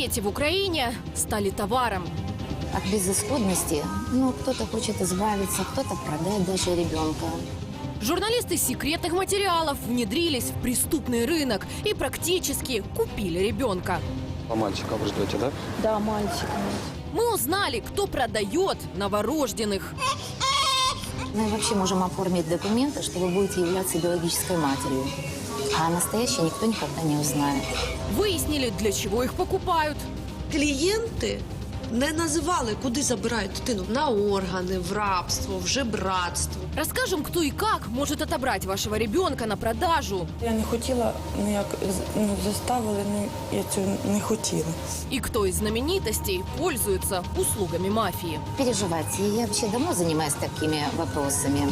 Дети в Украине стали товаром. От безысходности, кто-то хочет избавиться, кто-то продать даже ребенка. Журналисты секретных материалов внедрились в преступный рынок и практически купили ребенка. А мальчика вы ждете, да? Да, мальчик. Мы узнали, кто продает новорожденных. Мы вообще можем оформить документы, что вы будете являться биологической матерью. А настоящее никто никогда не узнает. Выяснили, для чего их покупают. Клієнти не називали, куди забирають дитину. На органи, в рабство, в жебратство. Расскажем, кто и как может отобрать вашего ребенка на продажу. Я не хотіла, ніяк заставили, я цього не хотіла. И кто из знаменитостей пользуется услугами мафии. Переживайте, я вообще давно занимаюсь такими вопросами.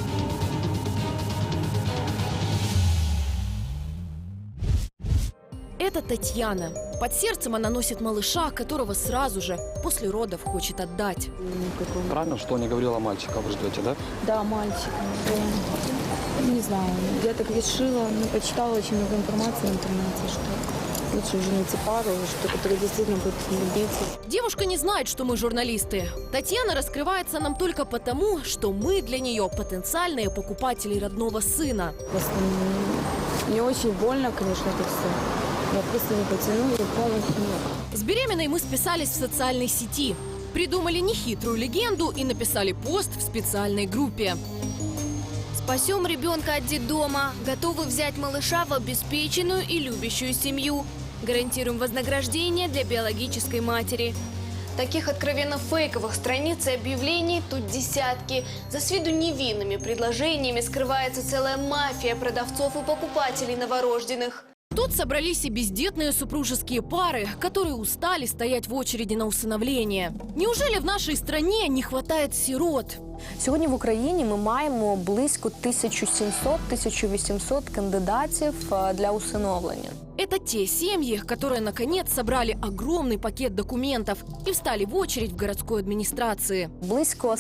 Это Татьяна. Под сердцем она носит малыша, которого сразу же после родов хочет отдать. Правильно, что не говорила мальчика вы ждете, да? Да, мальчик. Не знаю, я так решила, почитала очень много информации в интернете, что лучше уже найти пару, которая действительно будет любить. Девушка не знает, что мы журналисты. Татьяна раскрывается нам только потому, что мы для нее потенциальные покупатели родного сына. Просто мне очень больно, конечно, это все. Я просто не потянула полностью. С беременной мы списались в социальной сети. Придумали нехитрую легенду и написали пост в специальной группе. Спасем ребенка от детдома. Готовы взять малыша в обеспеченную и любящую семью. Гарантируем вознаграждение для биологической матери. Таких откровенно фейковых страниц и объявлений тут десятки. За с виду невинными предложениями скрывается целая мафия продавцов и покупателей новорожденных. Тут собрались и бездетные супружеские пары, которые устали стоять в очереди на усиновление. Неужели в нашей стране не хватает сирот? Сьогодні в Україні ми маємо близько 1700-1800 кандидатів для усиновлення. Это те семьи, которые наконец собрали огромный пакет документов и встали в очередь в городской администрации. Близько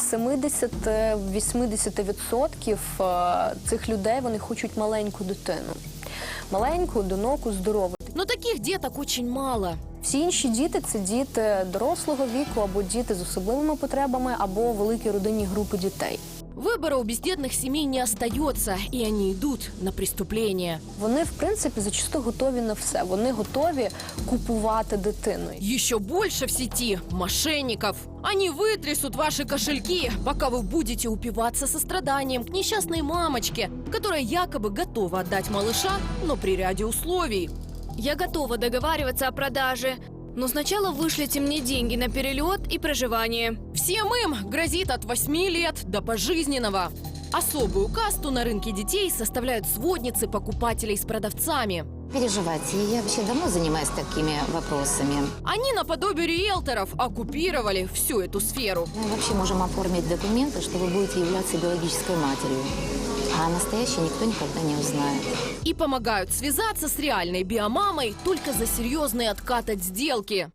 70-80% цих людей вони хочуть маленьку дитину. Маленьку, одиноку, здорову. Но таких деток очень мало. Всі інші діти – це діти дорослого віку, або діти з особливими потребами, або великі родинні групи дітей. Выбора у бездетных семей не остается, и они идут на преступление. Вони, в принципі, зачасту готові на все. Вони готові купувати дитину. Еще больше в сети мошенников. Они вытрясут ваши кошельки, пока вы будете упиваться состраданием к несчастной мамочке, которая якобы готова отдать малыша, но при ряде условий. Я готова договариваться о продаже. Но сначала вышлите мне деньги на перелет и проживание. Всем им грозит от 8 лет до пожизненного. Особую касту на рынке детей составляют сводницы покупателей с продавцами. Переживайте, я вообще давно занимаюсь такими вопросами. Они наподобие риэлторов оккупировали всю эту сферу. Мы вообще можем оформить документы, что вы будете являться биологической матерью. А настоящее никто никогда не узнает. И помогают связаться с реальной биомамой только за серьезный откат от сделки.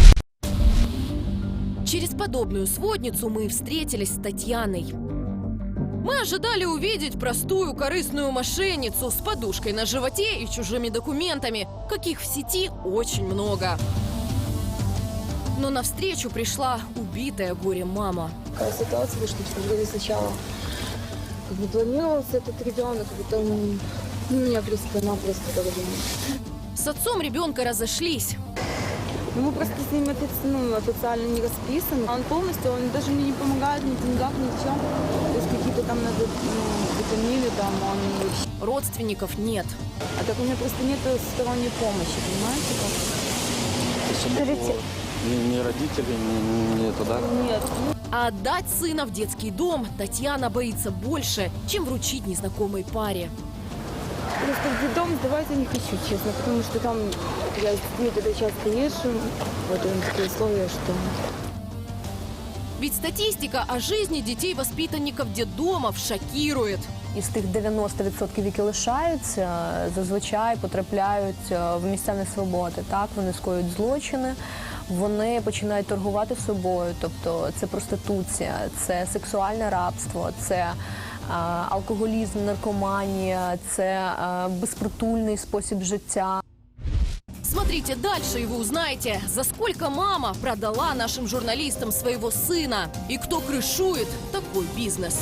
Через подобную сводницу мы встретились с Татьяной. Мы ожидали увидеть простую корыстную мошенницу с подушкой на животе и чужими документами, каких в сети очень много. Но навстречу пришла убитая горем мама. Такая ситуация вышла, что сначала не планировался этот ребенок, потом меня просто-напросто погубили. С отцом ребенка разошлись. Мы просто с ним официально не расписаны. Он полностью, он даже мне не помогает ни в деньгах, ни в чем. То есть какие-то там надо витамины, там он вообще. Родственников нет. А так у меня просто нет сторонней помощи, понимаете как? Ни родителей, ни туда. Нет. А отдать сына в детский дом Татьяна боится больше, чем вручить незнакомой паре. Просто в детдом сдавать я не хочу, честно, потому что там я с детьми тогда часто езжу. Вот у них такие условия, что... Ведь статистика о жизни детей-воспитанников детдомов шокирует. Із тих 90%, які лишаються, зазвичай потрапляють в місця несвободи. Так, вони скоюють злочини, вони починають торгувати собою, тобто це проституція, це сексуальне рабство, це алкоголізм, наркоманія, це безпритульний спосіб життя. Смотрите Смотрите дальше, и вы узнаете, за сколько мама продала нашим журналистам своего сына и кто крышует такой бизнес.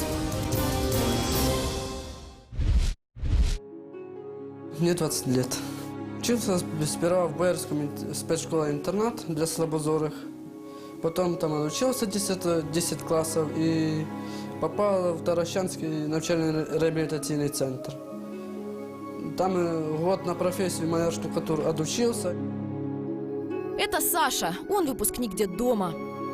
Мне 20 лет. Учился сперва в Боярском спецшколе-интернат для слабозорых. Потом там отучился 10 классов и попал в Таращанский навчально-реабилитационный центр. Там год на профессию маляр-штукатур отучился. Это Саша, он выпускник детдома.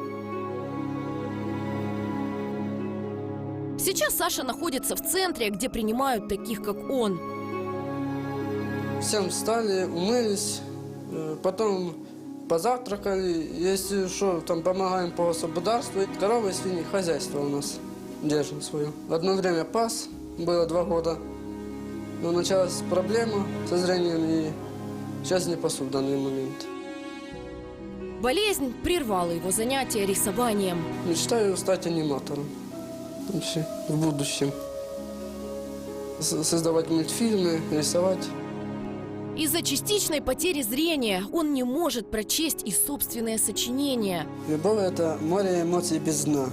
Сейчас Саша находится в центре, где принимают таких, как он. Всем встали, умылись, потом позавтракали. Если что, там помогаем по господарству. Коровы, свиньи, хозяйство у нас держим свое. Одно время пас, было 2 года. Но началась проблема со зрением, и сейчас не пасу в данный момент. Болезнь прервала его занятия рисованием. Мечтаю стать аниматором вообще в будущем. Создавать мультфильмы, рисовать. Из-за частичной потери зрения он не может прочесть и собственное сочинение. Любовь – это море эмоций без дна.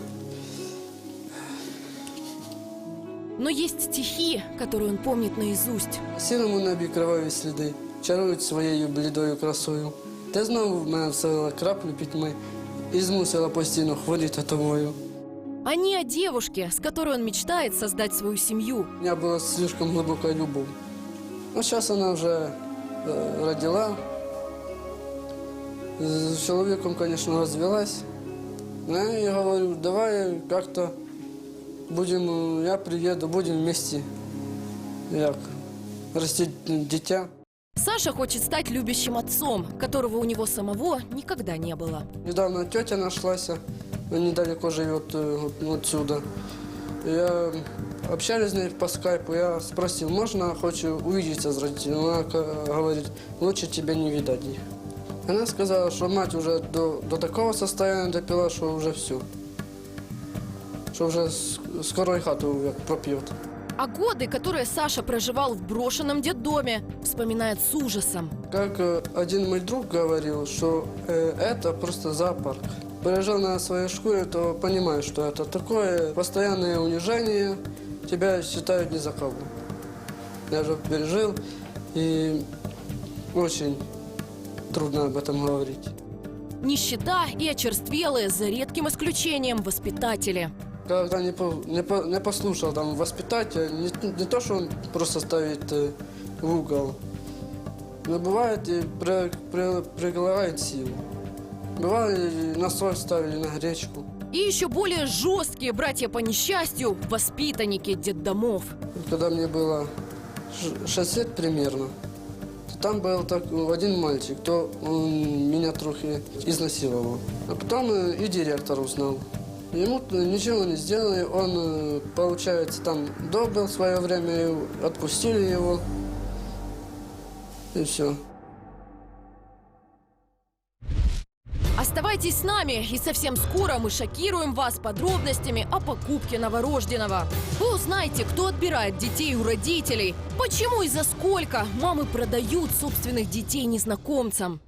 Но есть стихи, которые он помнит наизусть. Сірому небі криваві сліди чарують своєю блідою красою. Ти знову в мене вселила краплю пітьми і змусила постійно хворіти тобою. Они о девушке, с которой он мечтает создать свою семью. У меня была слишком глубокая любовь. Но сейчас она уже родила. С человеком, конечно, развелась. Но я ей говорю, давай как-то будем, я приеду, будем вместе растить дитя. Саша хочет стать любящим отцом, которого у него самого никогда не было. Недавно тетя нашлась, она недалеко живет отсюда. Я общались с ней по скайпу, я спросил, можно, хочу увидеться с родителями. Она говорит, лучше тебя не видать их. Она сказала, что мать уже до такого состояния допила, что уже все. Что уже скоро и хату пропьет. А годы, которые Саша проживал в брошенном детдоме, вспоминает с ужасом. Как один мой друг говорил, что это просто зоопарк. Приезжал на своей шкуре, то понимаешь, что это такое постоянное унижение, тебя считают не за кого. Я же пережил, и очень трудно об этом говорить. Нищета и очерствелые, за редким исключением, воспитатели. Когда не послушал там воспитателя, не то, что он просто ставит в угол, но бывает и прилагает силу. Бывало, и на соль ставили, на гречку. И еще более жесткие братья по несчастью, воспитанники детдомов. Когда мне было 6 лет примерно, то там был один мальчик, то он меня трохи изнасиловал. А потом и директор узнал. Ему ничего не сделали, он, получается, там добыл в свое время, отпустили его, и все. Оставайтесь с нами, и совсем скоро мы шокируем вас подробностями о покупке новорожденного. Вы узнаете, кто отбирает детей у родителей, почему и за сколько мамы продают собственных детей незнакомцам.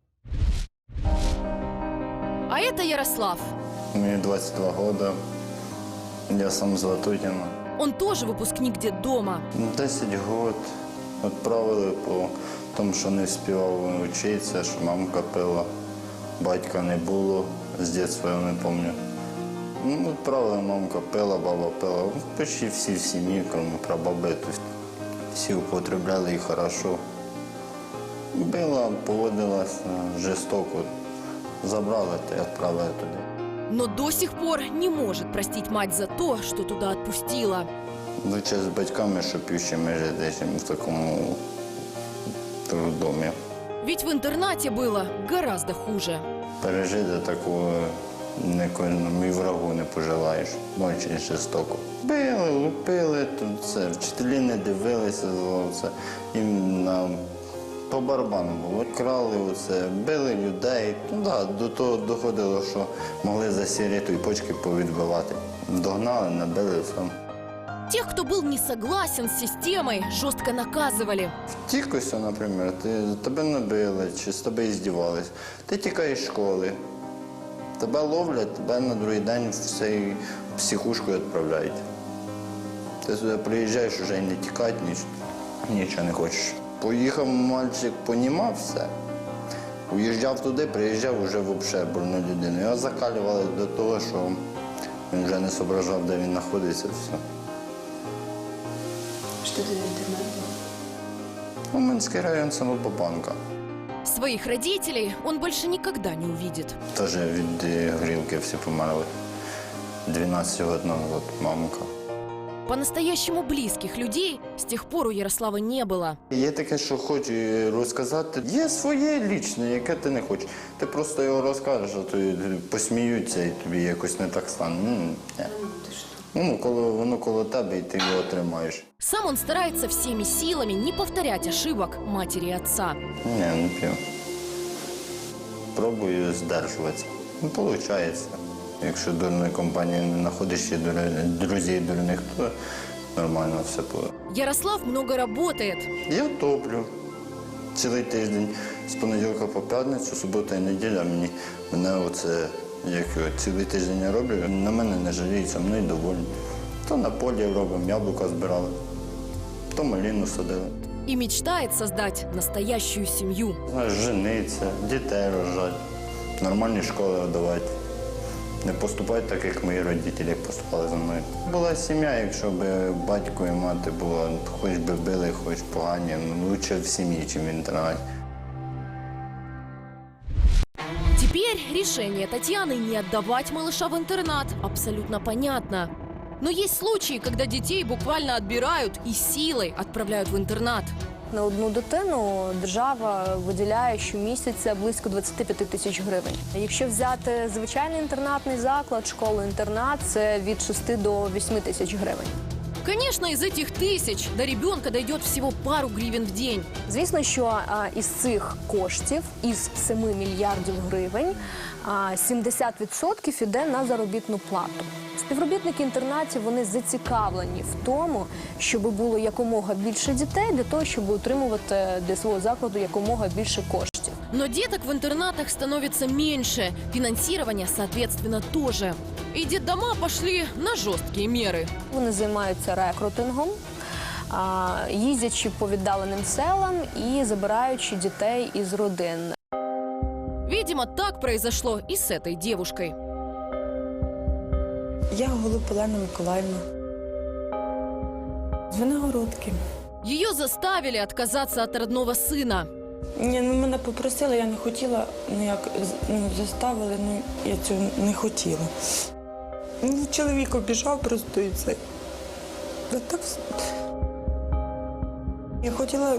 А это Ярослав. Мне 22 года, я сам з Ватутіна. Он тоже выпускник детдома. 10 років відправили по тому, що не встигав вчитися, що мамка пила, батька не було, з дитинства я не пам'ятаю. Відправили, мамка пила, баба пила. Почти всі в сім'ї, крім прабаби, всі употребляли і хорошо. Била, поводилась жорстоко, забрали та й відправили туди. Но до сих пор не может простить мать за то, что туда отпустила. Лучше з батьками, щоб півчими жити, ніж в такому домі. Ведь в интернате было гораздо хуже. Пережити такого нікому і врагу не пожелаєш. Дуже жорстоко. Били, лупили, тут це, вчителі не дивилися, це їм по барабану було. Крали оце, били людей. До того доходило, що могли за сигарету і почки повідбивати. Догнали, набили все. Тех, кто был не согласен с системой, жестко наказывали. Втікося, наприклад, тебе набили чи з тобою здівались. Ти тікаєш з школи, тебе ловлять, тебе на другий день в цей психушку відправляють. Ти сюди приїжджаєш, вже і не тікати, нічого не хочеш. Поїхав мальчик, понімав все. Уїжджав туди, приїжджав вже взагалі больну людину. Його закалювали до того, що він вже не зображав, де він знаходиться. Все. Что это за интернет был? Уманський район Самобобанка. Своих родителей он больше никогда не увидит. Теж від грілки всі померли. 12 років назад мамка. По-настоящему близких людей с тех пор у Ярослава не было. Є таке, що хочу розказати. Є своє лічне, яке ти не хочеш. Ти просто його розкажеш, а то посміються і тобі якось не так стане. Ну, воно коло тебе, і ти його тримаєш. Сам он старается всеми силами не повторять ошибок матери и отца. Ні, не п'ю. Пробую здержуватися. Ну, виходить. Якщо дурної компанії не знаходиш і друзів дурних, то нормально все буде. Ярослав много работает. Я топлю цілий тиждень, з понеділка по п'ятницю, субота і неділя. Мене оце, цілий тиждень я роблю, на мене не жаліються, мною довольні. То на полі робимо, яблука збирали, то малину садили. И мечтает создать настоящую семью. Знаєш, жениться, дітей рожати, нормальні школи давати. Не поступати так, як мої родителі, як поступали за мною. Була сім'я, якщо б батько і мати була, хоч би били, хоч погані, лучше в сім'ї, ніж в інтернаті. Теперь решение Татьяны не отдавать малыша в интернат абсолютно понятно. Но есть случаи, когда детей буквально отбирают и силой отправляют в интернат. На одну дитину держава виділяє щомісяця близько 25 тисяч гривень. Якщо взяти звичайний інтернатний заклад, школу-інтернат, це від 6 до 8 тисяч гривень. Конечно, из этих тысяч до ребенка дойдет всего пару гривен в день. Звісно, що із цих коштів, із 7 мільярдів гривень, 70% іде на заробітну плату. Співробітники інтернатів, вони зацікавлені в тому, щоб було якомога більше дітей, для того, щоб утримувати для свого закладу якомога більше коштів. Но деток в интернатах становится меньше, финансирование, соответственно, тоже. И детдома пошли на жесткие меры. Вони займаються рекрутингом, їздячи по віддаленим селам і забираючи дітей із родин. Видимо, так произошло и с этой девушкой. Я Голуб Олена Миколаївна. З Виногородки. Ее заставили отказаться от родного сына. Ні, мене попросили, я не хотіла, заставили, я цього не хотіла. Чоловік обіжав просто і все. Так, я хотіла,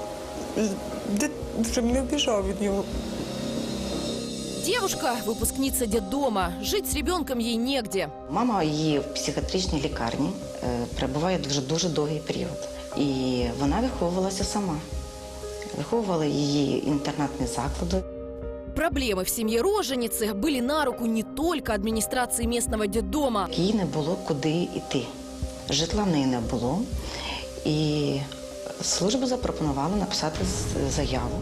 щоб не обіжав від нього. Девушка – выпускница детдома. Жить с ребенком ей негде. Мама її в психіатричній лікарні перебуває дуже довгий період. І вона виховувалася сама. Виховували її інтернатні заклади. Проблемы в семье роженицы были на руку не только администрации местного детдома. Їй не було куди йти. Житла в неї не було. І служба запропонувала написати заяву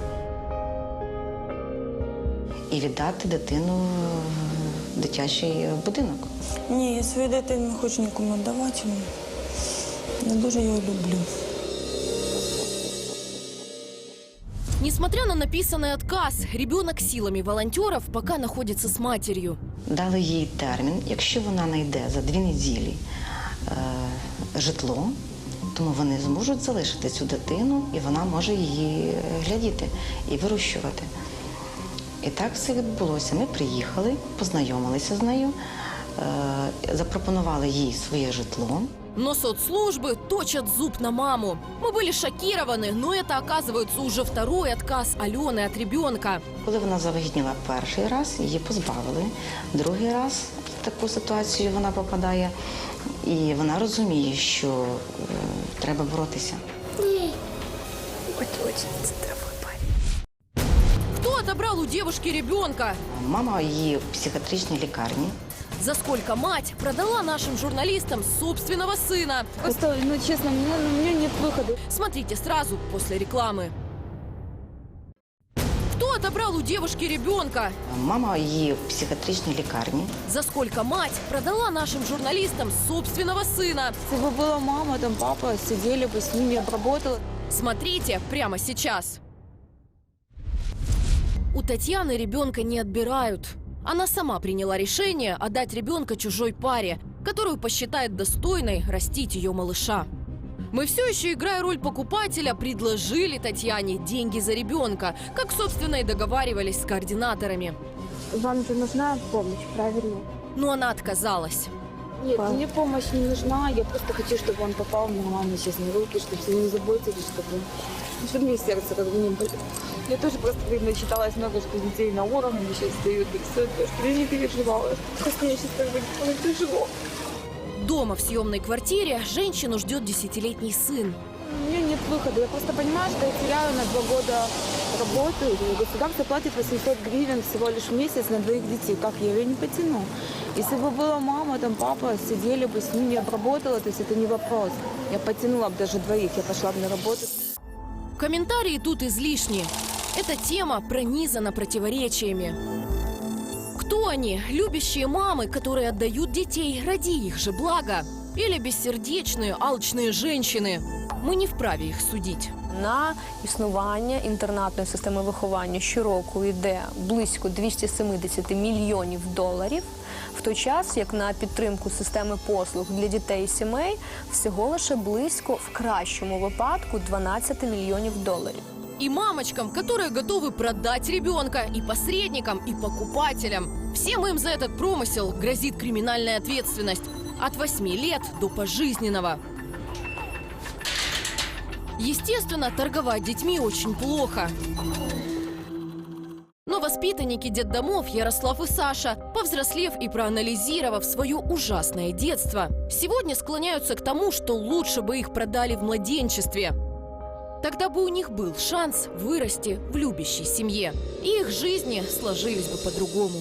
і віддати дитину в дитячий будинок. Ні, я свою дитину не хочу нікому віддавати. Я дуже його люблю. Несмотря на написанный отказ, ребенок силами волонтеров пока находится с матерью. Дали їй термін, якщо вона знайде за 2 неділі житло, тому вони зможуть залишити цю дитину, і вона може її глядіти і вирощувати. І так все відбулося. Ми приїхали, познайомилися з нею, запропонували їй своє житло. Но соцслужбы точат зуб на маму. Мы были шокированы, но это, оказывается, уже второй отказ Алены от ребенка. Коли вона завагітніла перший раз, її позбавили. Другий раз в таку ситуацію вона попадає. І вона розуміє, що треба боротися. Кто отобрал у девушки ребенка? Мама її в психіатричній лікарні. За сколько мать продала нашим журналистам собственного сына. Просто, ну честно, у меня нет выхода. Смотрите сразу после рекламы. Кто отобрал у девушки ребенка? Мама її в психіатричній лікарні. За сколько мать продала нашим журналистам собственного сына? Если бы была мама, там папа, сидели бы с ними, обработала. Смотрите прямо сейчас. У Татьяны ребенка не отбирают. Она сама приняла решение отдать ребенка чужой паре, которую посчитает достойной растить ее малыша. Мы все еще, играя роль покупателя, предложили Татьяне деньги за ребенка, как, собственно, и договаривались с координаторами. Вам же нужна помощь, правильно? Но она отказалась. Нет, мне помощь не нужна. Я просто хочу, чтобы он попал в нормальные честные руки, чтобы все не заботились, чтобы мне сердце как бы не болело. Я тоже просто начиталась много, что детей на уровне сейчас дают, и все это, что я не переживала. Просто мне сейчас как бы не тяжело. Дома в съемной квартире женщину ждет 10-летний сын. У меня нет выхода. Я просто понимаю, что я теряю на 2 года работу. И государство платит 800 гривен всего лишь в месяц на 2 детей. Как я ее не потяну? Если бы была мама, там папа, сидели бы с ними, обработала, то есть это не вопрос. Я потянула бы даже 2, я пошла бы на работу. Комментарии тут излишни. Эта тема пронизана противоречиями. Кто они? Любящие мамы, которые отдают детей ради их же блага? Или бессердечные, алчные женщини? Ми не вправі їх судити. На існування інтернатної системи виховання щороку йде близько 270 мільйонів доларів, в той час, як на підтримку системи послуг для дітей і сімей всього лише близько, в кращому випадку, 12 мільйонів доларів. И мамочкам, которые готовы продать ребенка, и посредникам, и покупателям. Всем им за этот промысел грозит криминальная ответственность от 8 лет до пожизненного. Естественно, торговать детьми очень плохо. Но воспитанники детдомов Ярослав и Саша, повзрослев и проанализировав свое ужасное детство, сегодня склоняются к тому, что лучше бы их продали в младенчестве. Тогда бы у них был шанс вырасти в любящей семье, и их жизни сложились бы по-другому.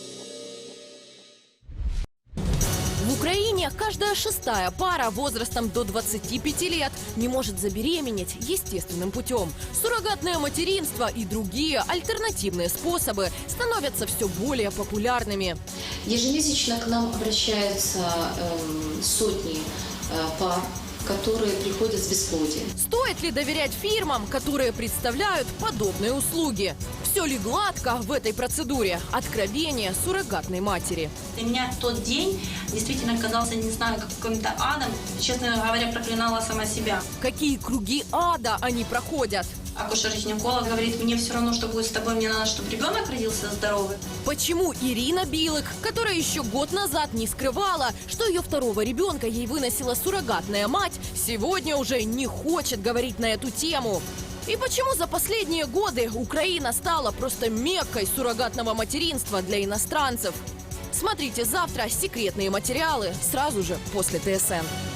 В Украине каждая 6-я пара возрастом до 25 лет не может забеременеть естественным путем. Суррогатное материнство и другие альтернативные способы становятся все более популярными. Ежемесячно к нам обращаются сотни пар, которые приходят с бесплодием. Стоит ли доверять фирмам, которые представляют подобные услуги? Все ли гладко в этой процедуре? Откровение суррогатной матери. Для меня тот день действительно казался, не знаю, каким-то адом. Честно говоря, проклинала сама себя. Какие круги ада они проходят? Акушер-гинеколог говорит, мне все равно, что будет с тобой, мне надо, чтобы ребенок родился здоровый. Почему Ирина Билык, которая еще год назад не скрывала, что ее 2-го ребенка ей выносила суррогатная мать, сегодня уже не хочет говорить на эту тему? И почему за последние годы Украина стала просто меккой суррогатного материнства для иностранцев? Смотрите завтра секретные материалы сразу же после ТСН.